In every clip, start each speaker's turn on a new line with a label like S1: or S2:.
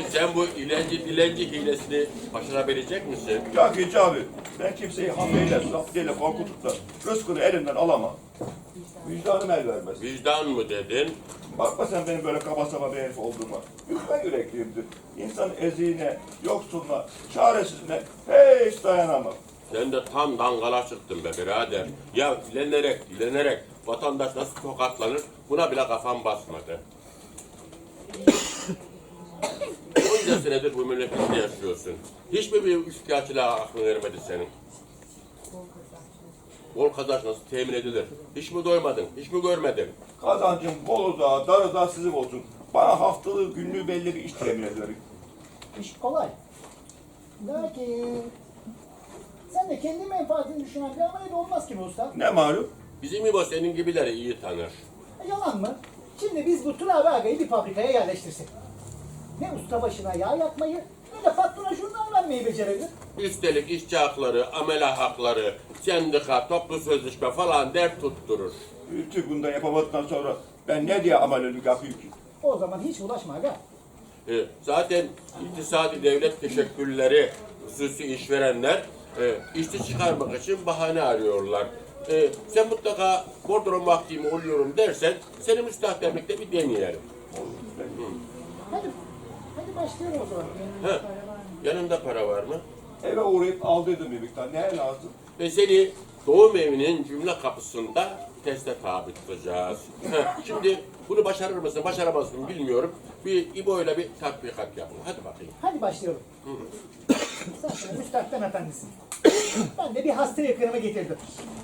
S1: Sen bu ilenci dilenci hilesini başarabilecek misin?
S2: Ya Gece abi, ben kimseyi hamleyle, zaftiyyle korkutup da rızkını elinden alamam. Vicdanım el vermez.
S1: Vicdan mı dedin?
S2: Bakma sen benim böyle kaba saba bir herif olduğuma. Yufka yürekliyimdir. İnsanın eziğine, yoksuluna, çaresizine hiç dayanamam.
S1: Sen de tam dangala çıktın be birader. Ya dilenerek vatandaş nasıl tokatlanır buna bile kafam basmadı. Onca senedir bu memlekette yaşıyorsun. Hiç mi bir üçkağıtçılığa aklın ermedi senin? Bol kazanç nasıl temin edilir? Hiç mi doymadın? Hiç mi görmedin?
S2: Kazancım bolu da, darı da sizin olsun. Bana haftalığı, günlüğü belli bir iş temin ederim.
S3: İş kolay. Lakin sen de kendi menfaatini düşünen bir ameliyat olmaz ki bu usta.
S2: Ne malum?
S1: Bizim İbo senin gibileri iyi tanır.
S3: Yalan mı? Şimdi biz bu Turabi Aga'yı bir fabrikaya yerleştirsek. Ne usta başına yağ yakmayı ne de patrona jurnal vermeyi becerebilir.
S1: Üstelik işçi hakları, amele hakları, sendika, toplu sözleşme falan dert tutturur.
S2: Bütün bundan yapamadıktan sonra ben ne diye amelelik yapayım ki?
S3: O zaman hiç ulaşma aga.
S1: Zaten iktisadi devlet teşekkülleri, hususi işverenler işçi çıkarmak için bahane arıyorlar. Sen mutlaka bordro vaktim oluyorum dersen seni müstahdemlikte bir deneyelim.
S3: Hadi başlayalım o zaman.
S1: He, yanında para var mı?
S2: Eve uğrayıp aldıydım bir miktar. Ne lazım?
S1: Ve seni doğum evinin cümle kapısında teste tabi tutacağız. Şimdi bunu başarır mısın, başaramaz mısın bilmiyorum. Bir İbo'yla bir tatbikat yapın. Hadi bakayım.
S3: Hadi başlayalım. Sen şimdi müstakbel efendisin. Ben de bir hasta yakınımı getirdim.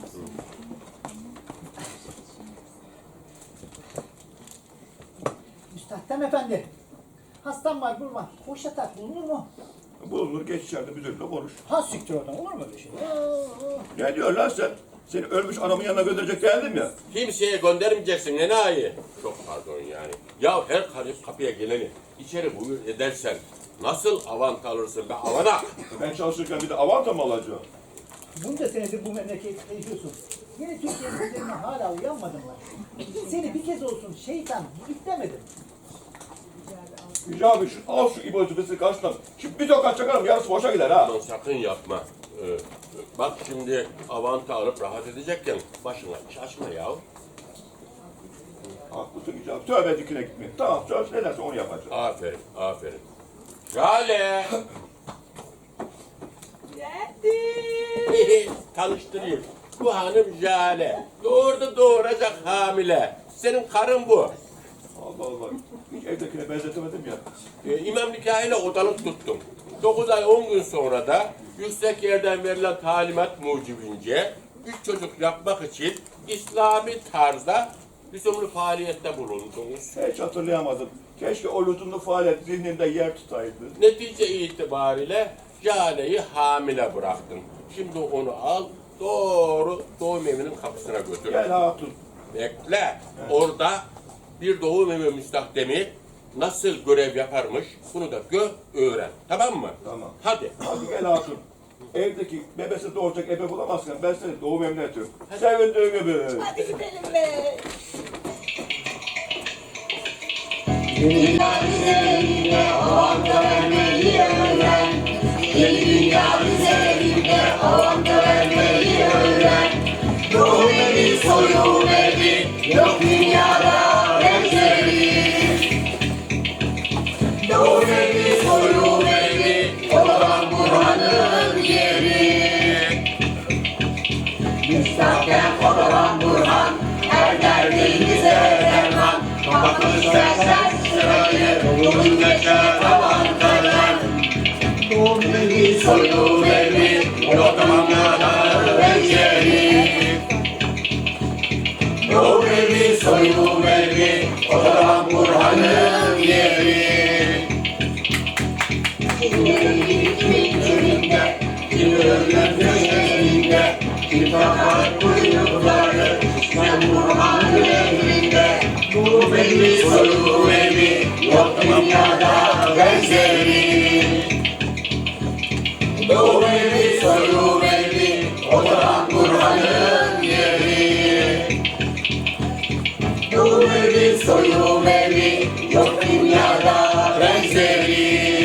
S3: Müstakbel efendi. Hastam var Burman. Boş yatak bulunur mu?
S2: Bulunur, geç içeride müdürle konuş.
S3: Ha siktir oradan olur mu öyle şey?
S2: Ne diyor lan sen? Seni ölmüş anamın yanına gönderecek geldim ya.
S1: Kimseye göndermeyeceksin enayi. Çok pardon yani. Ya her kapıya geleni içeri buyur edersen nasıl avant alırsın be avanak?
S2: Ben çalışırken bir de avanta mı alacağım?
S3: Bunca senedir bu memlekette yaşıyorsun. Yine Türkiye'nin üzerine hala uyanmadın mı? Seni bir kez olsun şeytan demedim.
S2: Yüce abi al şu İbo tüfesini karşıdan. Şimdi bir tokat çakarım yarısı boşa gider ha.
S1: Aman sakın yapma. Bak şimdi avanta alıp rahat edecekken başına iş açma ya.
S2: Haklısın Yüce abi. Tövbe dikine gitme. Tamam söz ne derse onu yapacağım.
S1: Aferin, aferin. Jale! Tanıştırayım. Bu hanım Jale. Doğuracak hamile. Senin karın bu.
S2: Allah Allah. Hiç evdekine benzetemedim ya.
S1: İmam nikahıyla odalık tuttum. 9 ay 10 gün sonra da yüksek yerden verilen talimat mucibince 3 çocuk yapmak için İslami tarzda lüzumlu faaliyette bulundunuz.
S2: Hiç hatırlayamadım. Keşke o lüzumlu faaliyet zihnimde yer tutaydı.
S1: Netice itibariyle Jale'yi hamile bıraktın. Şimdi onu al, doğru doğum evinin kapısına götür.
S2: Gel hatun.
S1: Bekle. Orada bir doğum evi müstahdemi nasıl görev yaparmış bunu da öğren. Tamam mı?
S2: Tamam.
S1: Hadi.
S2: Hadi gel hatun. Evdeki bebesi doğuracak ebe bulamazken ben seni doğum evine atıyorum. Sevindiğin gibi.
S4: Hadi gidelim be.
S5: Dünya üzerinde avanta vermeyi öğren. Yeni dünya üzerinde avanta vermeyi öğren. Doğum evi soyum evi yok dünyada benzeri. Doğum evi soyum evi olan Burhan'ın yeri. Müstakbel olan Burhan her derdimize derman. Kapatır sersen sırayı yolun geçer avantalar. Doğum evi soyum evi yok dünyada benzeri. Doğum evi soyum evi olan Burhan'ın yeri. Kimi ölür kimin çölünde, kimi ölür köşesinde, kim takar kuyrukları, sen Burhan'ın emrinde. Doğum evi soyum evi yok dünyada benzeri. Doğum evi soyum evi oturan Burhan'ın yeri. Doğum evi soyum evi yok dünyada benzeri.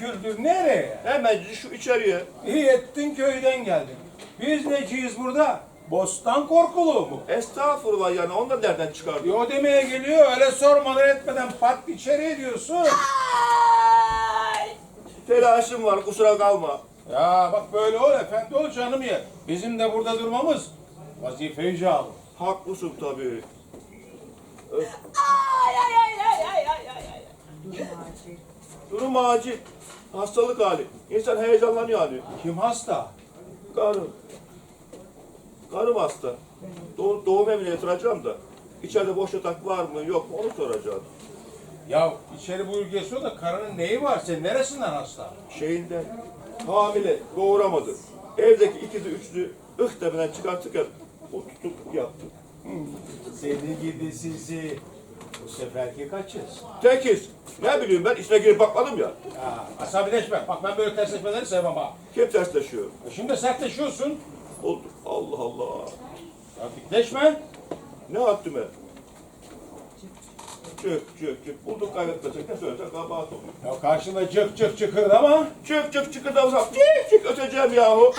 S4: küldür nereye?
S2: Hemen şu içeriye.
S4: İyi ettin köyden geldin. Biz neciyiz burada? Bostan korkuluğu mu?
S2: Estağfurullah yani ondan nereden çıkardın?
S4: Yo demeye geliyor öyle sormadan etmeden pat içeri diyorsun.
S2: Telaşım var kusura kalma.
S4: Ya bak böyle ol efendi ol canım ye. Bizim de burada durmamız vazife icabı.
S2: Haklısın tabii. Durum acil. Hastalık hali. İnsan heyecanlanıyor hani.
S4: Kim hasta?
S2: Karım. Karım hasta. Doğum evine yatıracağım da. İçeride boş yatak var mı yok mu onu soracağım.
S4: Ya içeri buyur geçiyor da karının neyi var? Sen neresinden hasta?
S2: Şeyinden hamile doğuramadı. Evdeki ikizi üçlü demeden çıkartırken o tutup yaptı.
S4: Seni gidi sizi. Bu seferki kaçız?
S2: Tekiz. Ne bileyim ben içine girip bakmadım ya.
S4: Ya asabileşme. Bak ben böyle tersleşmeleri sevmem ha.
S2: Kim tersleşiyor?
S4: Şimdi sertleşiyorsun.
S2: Oldu. Allah Allah.
S4: Ya dikleşme.
S2: Ne yaptım ben? Çık. Bulduk kaybetmesek ne söylesen kabahat oluyor.
S4: Ya karşında cık cık çıkırdı ama.
S2: Çık da uzak. Çık öteceğim yahu.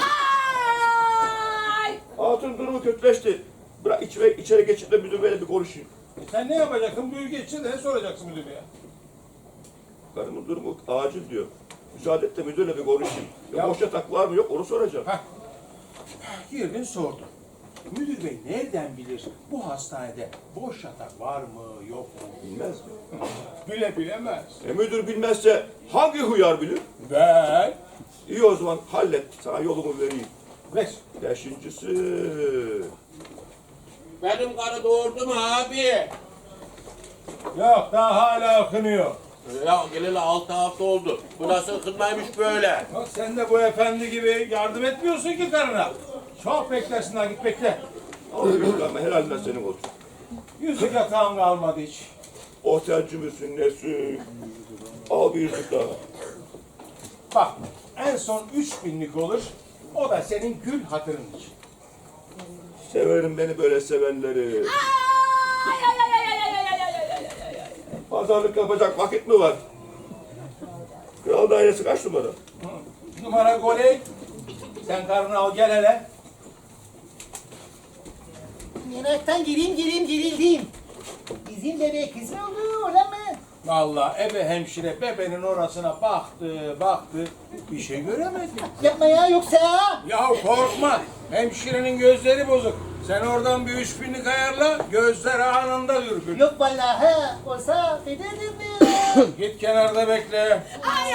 S2: Hatun durumu kötüleşti. Bırak içeri geçip de müdür beyle bir konuşayım.
S4: Sen ne yapacaksın? Buyur geçsin de ne soracaksın müdürüye?
S2: Karımın durumu acil diyor. Müsaade et de müdürle bir konuşayım.
S4: Ya-
S2: Boş yatak var mı yok onu soracağım.
S4: Heh. Girdin sordun. Müdür bey nereden bilir bu hastanede boş yatak var mı yok mu?
S2: Bilmez mi?
S4: Bilemez.
S2: Müdür bilmezse hangi huyar bilir?
S4: Ben.
S2: İyi o zaman hallet. Sana yolumu vereyim.
S4: Ver.
S2: Beşincisi.
S1: Benim karı doğurdu mu abi?
S4: Yok daha hala akınıyor.
S1: Ya geleli 6 hafta oldu. Bu nasıl kızmaymış böyle?
S4: Bak sen de bu efendi gibi yardım etmiyorsun ki karına. Çok beklersin ha git bekle.
S2: Al gösterme helalinden senin olsun.
S4: Yüzük yatağım kalmadı hiç.
S2: Otelci misin nesin? Al bir yüzük daha.
S4: Bak en son 3000'lik olur. O da senin gül hatırın için.
S2: Severim beni böyle sevenleri. Pazarlık yapacak vakit mi var? Kral dairesi kaç numara?
S4: Numara goley. Sen karını al gel hele.
S3: Meraktan gerildim. Bizim bebek kız mı oldu olan mı?
S4: Vallahi ebe hemşire bebenin orasına baktı. Bir şey göremedi.
S3: Yapma ya yoksa.
S4: Ya korkma. Hemşirenin gözleri bozuk. Sen oradan bir 3000'lik ayarla. Gözler anında ürkün.
S3: Yok vallahi ha. Olsa federdim mi?
S4: Git kenarda bekle.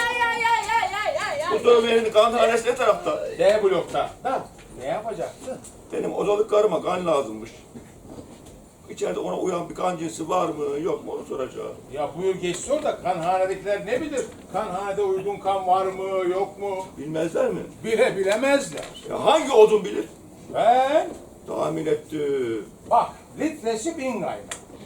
S2: Bu durum evinin kanhanesi ne tarafta?
S4: D blokta. Da ne yapacaksın?
S2: Benim odalık karıma kan lazımmış. İçeride ona uyan bir kan cinsi var mı yok mu onu soracağım.
S4: Ya buyur geç sor da kanhanedekiler ne bilir? Kanhanede uygun kan var mı yok mu?
S2: Bilmezler mi?
S4: Bilemezler.
S2: Ya hangi odun bilir?
S4: Ben
S2: Tahmin ettim.
S4: bak litresi 1000 kaynak.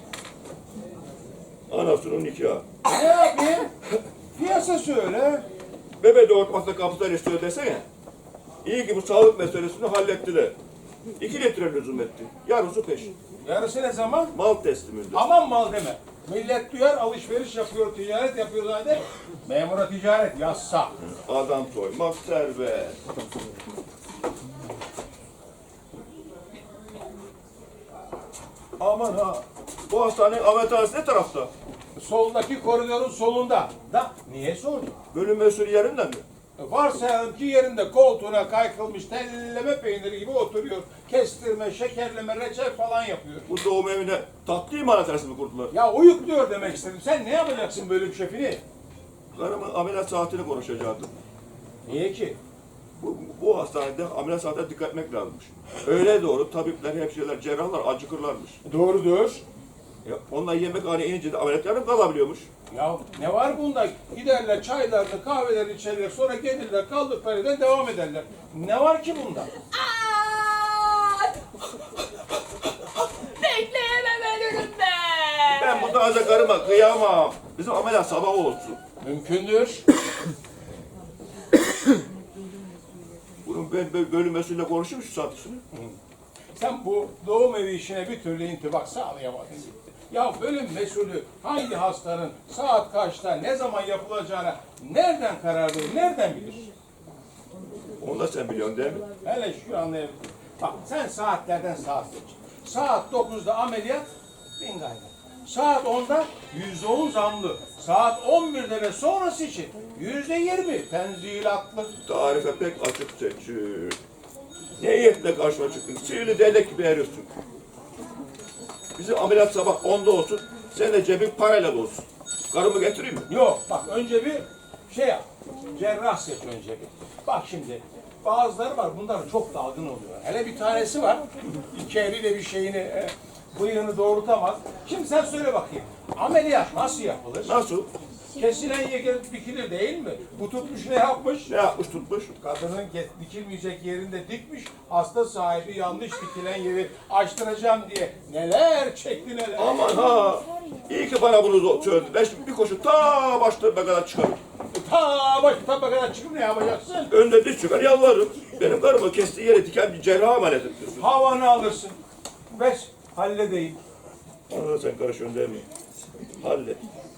S2: Anasının nikahı.
S4: Ne yapayım? Piyasa söyle.
S2: Bebe doğurtmakta kapıdan istiyor desene. İyi ki bu sağlık meselesini hallettiler. 2 litre lüzum etti. Yarısı peşin.
S4: Yarısı ne zaman?
S2: Mal tesliminde.
S4: Aman mal deme. Millet duyar alışveriş yapıyor, ticaret yapıyor zaten. Memura ticaret yazsa.
S2: Adam soymak serbest. Aman ha. Bu hastanenin ameliyathanesi ne tarafta?
S4: Soldaki koridorun solunda. Da niye sordun?
S2: Bölüm mesulü yerinden mi?
S4: Varsayalım ki yerinde koltuğuna kaykılmış telleme peyniri gibi oturuyor. Kestirme, şekerleme, reçel falan yapıyor.
S2: Bu doğum evine tatlı imalathanesi mi kurdular?
S4: Ya uyukluyor demek istedim. Sen ne yapacaksın bölüm şefini?
S2: Karımın ameliyat saatini konuşacaktım.
S4: Niye ki?
S2: Bu hastanede ameliyat saatine dikkat etmek lazımmış. Öyle doğru tabipler, hemşireler, cerrahlar acıkırlarmış.
S4: Doğrudur.
S2: Onlar yemekhaneye inince de ameliyat yarım kalabiliyormuş.
S4: Ya ne var bunda? Giderler çaylarını, kahvelerini içerler, sonra gelirler, kaldıkları yerden devam ederler. Ne var ki bunda?
S5: Bekleyemem ölürüm ben.
S2: Ben bu taze karıma kıyamam. Bizim ameliyat sabah olsun.
S4: Mümkündür.
S2: Bunun ben bölüm mesulüyle konuşayım şu satışını.
S4: Sen bu doğum evi işine bir türlü intibak sağlayamadın gitti. Ya bölüm mesulü hangi hastanın saat kaçta ne zaman yapılacağına nereden karar verir, nereden bilir?
S2: Onu da sen biliyorsun değil mi?
S4: Hele şu anlayabilirim. Bak sen saatlerden saat seç. Saat 9'da ameliyat, bin gayret. Saat 10'da %10 zamlı. Saat 11'de ve sonrası için %20 tenzilatlı.
S2: Tarife pek açık seçiyor. Ne niyetle karşıma çıktın? Sihirli değnek gibi eriyorsun. Bizim ameliyat sabah 10'da olsun, sen de cebin parayla dolsun. Karımı getireyim mi?
S4: Yok bak önce bir şey yap. Cerrah seç önce bir. Bak şimdi bazıları var bunlar çok dalgın oluyor. Hele bir tanesi var. İki eliyle bir şeyini bıyığını doğrultamaz. Şimdi sen söyle bakayım. Ameliyat nasıl yapılır?
S2: Nasıl?
S4: Kesilen yer dikilir değil mi? Bu tutmuş ne yapmış?
S2: Ne yapmış tutmuş?
S4: Kadının dikilmeyecek yerinde dikmiş, hasta sahibi yanlış dikilen yeri açtıracağım diye neler çekti neler.
S2: Aman ha! İyi ki bana bunu söyledi. Ben şimdi bir koşu ta başlarına kadar çıkarım.
S4: Ta baştan kadar çıkıp ne yapacaksın?
S2: Önde diz çıkar yalvarırım. Benim karımı kestiği yere diken bir cerraha emanet ediyorsun.
S4: Havanı alırsın. Ver, halledeyim.
S2: Ona da sen karışıyorsun değil mi? Hallet.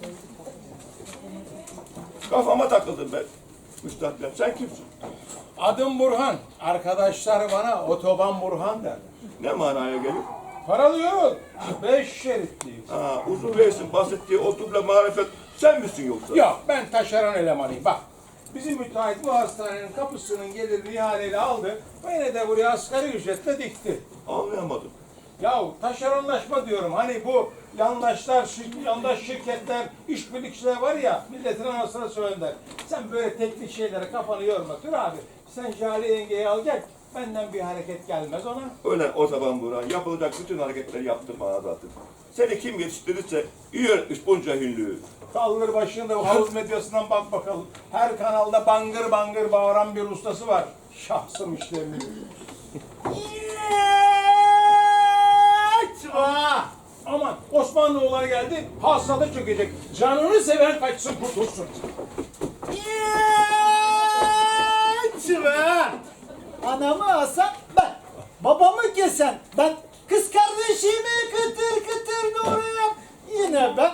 S2: Kafama takıldım ben. Müstakbel. Sen kimsin?
S4: Adım Burhan. Arkadaşlar bana otoban Burhan derler.
S2: Ne manaya geliyor?
S4: Paralıyor. 5 şeritliyim.
S2: Ha, uzun reisin bahsettiği o duble marifet sen misin yoksa?
S4: Yok ben taşeron elemanıyım bak. Bizim müteahhit bu hastanenin kapısının gelirini ihaleyle aldı. Beni de buraya asgari ücretle dikti.
S2: Anlayamadım.
S4: Ya taşeronlaşma diyorum. Hani bu yandaş şirketler, işbirlikçiler var ya, milletin anasına söyler. Sen böyle teknik şeylere kafanı yorma. Dur abi, sen Jale yengeyi al gel. Benden bir hareket gelmez ona.
S2: Öyle o zaman Burhan yapılacak bütün hareketleri yaptım bana zaten. Seni kim yetiştirirse iyi öğretmiş bunca hünlüğü.
S4: Kaldır başını da havuz medyasından bak bakalım. Her kanalda bangır bangır bağıran bir ustası var. Şahsım işlerini. Aman Osmanlıoğulları geldi, hastada çökecek. Canını seven kaçsın kurtulsun.
S3: Anamı asan ben. Babamı kesen ben. Kız kardeşimi kıtır kıtır doğrayan yine ben.